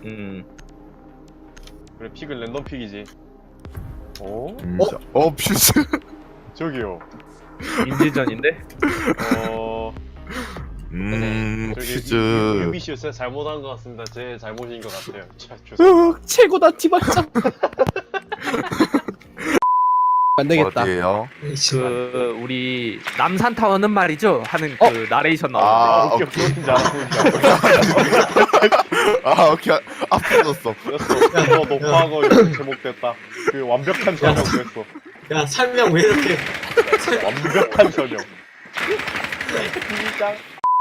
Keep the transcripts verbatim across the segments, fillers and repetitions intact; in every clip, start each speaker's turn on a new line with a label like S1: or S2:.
S1: 음.
S2: 그래 픽은 랜덤 픽이지. 어?
S3: 음, 자, 어 퓨즈.
S2: 저기요.
S1: 인질전인데?
S2: 어...
S3: 음
S2: 저기
S3: 퓨즈.
S2: 유비씨였어요? 잘못한 것 같습니다. 제 잘못인 것 같아요. 자, 죄송합니다.
S4: 으, 최고다 티발장. 안 되겠다.
S3: 어디에요?
S1: 그 우리 남산타워는 말이죠 하는 그
S4: 어?
S1: 나레이션
S3: 아,
S1: 나오는
S2: 오케이,
S3: 오케이.
S2: 오케이. 잘하는지
S3: 아 오케이 아프졌어.
S2: 됐어. 너 녹화하고 이렇게 제목됐다. 그 완벽한 전형 됐어.
S5: 야 설명 왜 이렇게
S2: 완벽한 전형. 진짜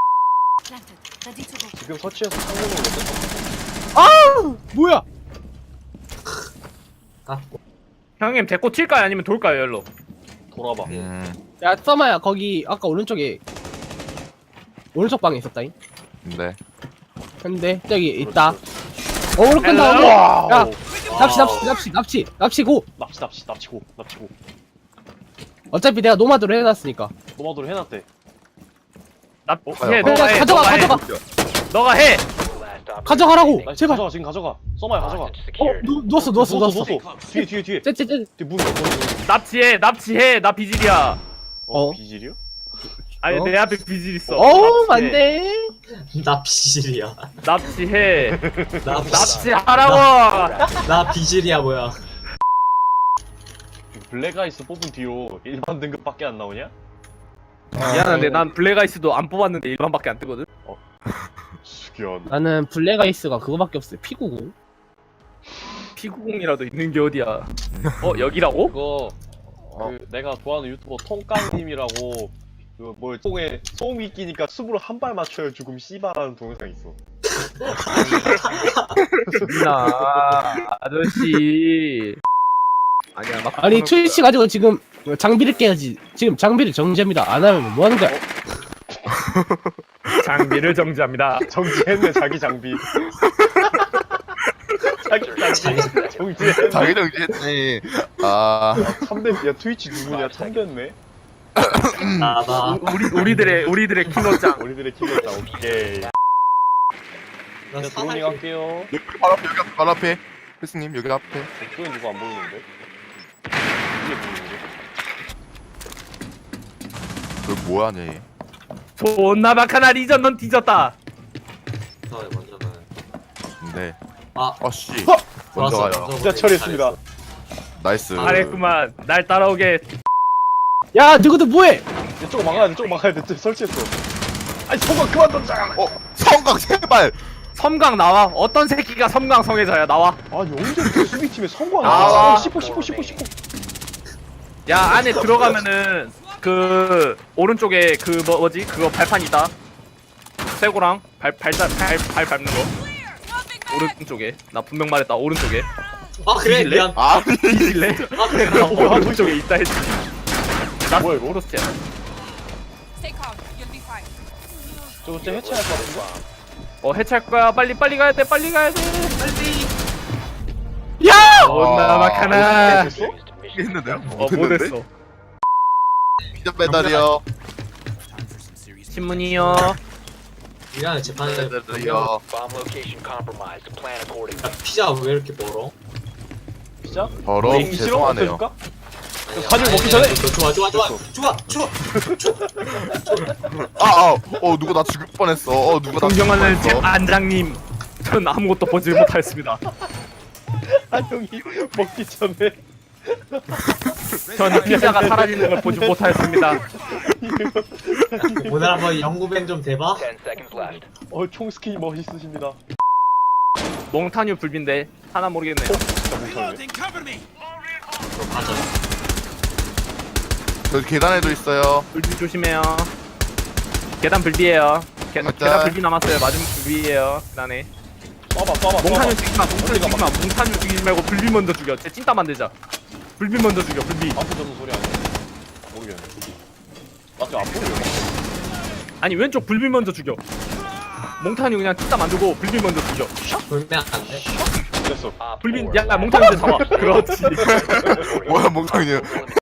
S2: 지금 서치해서 성공을 못했어.
S4: 뭐야?
S5: 깎고
S1: 형님 데리고 튈까요 아니면 돌까요 열로?
S2: 돌아봐.
S3: 음,
S4: 야 써마야 거기 아까 오른쪽에 오른쪽 방에 있었다잉.
S3: 네.
S4: 근데 저기 있다. 어 오른 끈다.
S1: 헬로.
S4: 야
S2: 와우.
S4: 납치 납치 납치 납치 납치고.
S2: 납치 납치 납치고 납치고.
S4: 어차피 내가 노마드로 해놨으니까.
S2: 노마도를 해놨대.
S1: 납치해
S3: 어,
S1: 너가
S4: 야,
S1: 해
S4: 가져가,
S1: 너가 해
S4: 가져가.
S1: 너가 해
S4: 가져가라고.
S2: 나
S4: 제발.
S2: 가져가 지금 가져가. 써마야 가져가.
S4: 어 누, 누웠어 누웠어 누웠어.
S2: 뒤에 뒤에 뒤에.
S4: 쟤쟤쟤.
S2: 뒤에 문 문. 문.
S1: 납치해 납치해 나 비질이야.
S2: 어,
S4: 어?
S2: 비질이요?
S1: 아니
S4: 어?
S1: 내 앞에 비질 있어.
S4: 어우
S1: 납치해.
S4: 안돼.
S5: 나 비질이야
S1: 납치해
S5: 나 비질
S1: 납치하라고.
S5: 나 비질이야 뭐야
S2: 블랙아이스 뽑은 뒤로 일반 등급밖에 안 나오냐?
S1: 미안한데 난 블랙아이스도 안 뽑았는데 일반밖에 안 뜨거든.
S2: 숙연.
S4: 나는 블랙아이스가 그거밖에 없어요. 피구공.
S1: 피구공이라도 있는 게 어디야. 어 여기라고?
S2: 그거 그 내가 좋아하는 유튜버 통깡님이라고 그뭐 똥에 소음이 끼니까 숲으로 한 발 맞춰야 죽음 씨바라는 동영상 있어.
S1: 나 아저씨. 아니야 막
S4: 아니 트위치 가지고 지금 장비를 깨야지. 지금 장비를 정지합니다. 안 하면 뭐 하는 거야?
S1: 장비를 정지합니다.
S2: 정지했네 자기 장비. 자기 장비 정지했네.
S3: 자기 정지했네. 아
S2: 참된 야 트위치 누구냐 참됐네.
S5: 나나
S1: 우리 우리들의 우리들의 킹어짱.
S2: 우리들의 키웠다. 오케이.
S5: 나
S2: 자 드로닝
S5: 사살
S2: 할게요.
S3: 여기 바로 앞에 여기 앞에 바로 앞에. 필스님 여기 앞에.
S2: 이쪽엔 누구 안 보이는데? 이게 보이는데?
S3: 그 뭐하냐 얘.
S1: 존나 박하나 리전 넌 뒤졌다.
S5: 너 먼저 가
S3: 네.
S5: 아
S3: 아씨.
S4: 어?
S3: 먼저
S5: 좋았어,
S3: 가요.
S5: 먼저
S2: 진짜
S5: 보내기
S2: 처리했습니다.
S5: 잘했어.
S3: 나이스.
S1: 잘했구만. 날 따라오게.
S4: 야 누구도 뭐해?
S2: 이쪽 막아야 돼. 이쪽 막아야 돼. 설치했어. 아니 성광 그만 던져.
S3: 어 성각 제발.
S1: 섬광 나와. 어떤 새끼가 섬광 성애자야 나와.
S2: 아니 언제부터 수비팀에 성광
S1: 나와.
S2: 나와? 씹어 씹어 씹어 씹어.
S1: 야 안에 들어가면은 그 오른쪽에 그 뭐, 뭐지 그거 발판 있다. 쇠고랑 발발발발 밟는 거. 오른쪽에 나 분명 말했다 오른쪽에.
S5: 아 그래
S1: 뒤질래?
S5: 미안
S3: 아
S1: 뒤질래?
S5: 아 그래
S1: 나
S5: 나
S1: 오른쪽에 있다 했지. 나
S2: 뭐야, 이거?
S1: 오른쪽이야.
S6: Stay calm. You'll be fine.
S2: 저거 진짜 해체할 것 같은데?
S1: 어 해체할 거야. 빨리 빨리 가야 돼. 빨리 가야 돼. 빨리.
S4: 야!
S1: 존나 막하나.
S2: 됐어?
S3: 했는데요?
S1: 어 못했어.
S3: 피자 배달이요.
S1: 신문이요.
S5: 미안해 재판에
S3: 배달이요.
S7: Bomb location compromised. Plan accordingly.
S5: 야 피자 왜 이렇게 멀어?
S2: 진짜?
S3: 더러
S2: 이거 싫어?
S3: 죄송하네요.
S2: 어떡해줄까? 가지고 먹기 전에?
S5: 좋아 좋아 좋아 좋아 좋아
S3: 아, 아, 어 누가 나 죽일 뻔했어. 어 누가 나 죽일
S1: 존경하는 제
S3: 뻔했어.
S1: 안장님. 전 아무것도 보지 못하였습니다.
S2: 아 형이 먹기 전에
S1: 전 피자가 사라지는 걸 보지 못하였습니다.
S5: 오늘 한번 연구뱅 좀 대봐
S7: Ten seconds left.
S2: 어 총스킨 멋있으십니다.
S1: 몽타뉴 불빈데 하나 모르겠네요.
S2: 진짜 뭉쳐네.
S5: 그럼 가자
S3: 저 계단에도 있어요.
S1: 불비 조심해요. 계단 불비에요. 계,
S3: 맞다.
S1: 계단 불비 남았어요. 맞으면 불비에요. 계단에.
S2: 쏴봐 쏴봐
S1: 몽타뉴
S2: 쏴봐.
S1: 죽이지 마. 몽타뉴 죽이지 마. 몽타뉴 죽이지 말고 불비 먼저 죽여. 쟤 찐따 만들자. 불비 먼저 죽여. 불비.
S2: 앞에 저는 소리 아니야? 모르겠네. 나도 안 보여.
S1: 아니 왼쪽 불비 먼저 죽여. 몽타뉴 그냥 찐따 만들고 불비 먼저 죽여.
S5: 돌면 안돼
S2: 됐어.
S7: Op
S1: 불비
S7: four,
S1: 야
S7: last
S1: 몽타뉴 이제 잡아. 그렇지.
S3: 뭐야 몽땅이냐?